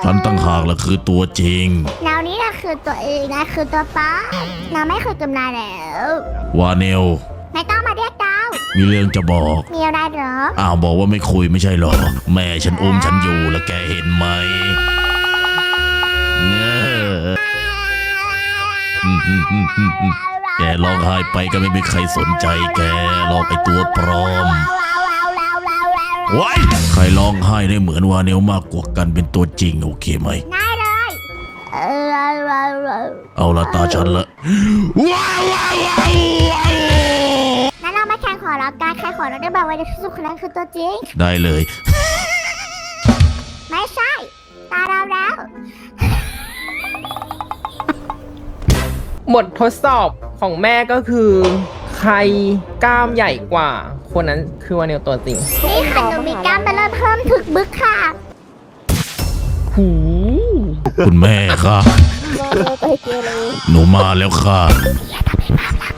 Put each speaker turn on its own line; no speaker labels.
ฉันตั้งหากละคือตัวจริง
แล้วนี่นะคือตัวเองนะคือตัวป้าเราไม่เคยกำนายแล้ว
วาเนล
ไม่ต้องมาเรียกดาว
มีเรื่องจะบอก
มีอะไรเหรอ
อ้าวบอกว่าไม่คุยไม่ใช่หรอแม่ฉันอุ้มฉันอยู่แล้วแกเห็นไหมแกร้องไห้ไปก็ไม่มีใครสนใจแกหรอกไอตัวปลอมว้ายใครร้องไห้ได้เหมือนวาเนลมากกว่ากันเป็นตัวจริงโอเคไหม
ได้เลย
เอาละตาฉันละว้าวว้าวว้าว
งั้นเรามาแข่งขอรับการใครขอเราได้บอกว่าที่สุดคนนั้นคือตัวจริง
ได้เลย
ไม่ใช่ตาเราแล้ว
บททดสอบของแม่ก็คือ ใครกล้ามใหญ่กว่า คนนั้นคือวานิลตัวจริง
นี่ค่ะหนูมีกล้ามมาเริ่มเพิ่มถึกบึกค่ะ
หู
คุณแม่ค่ะหนูมาแล้วค่ะ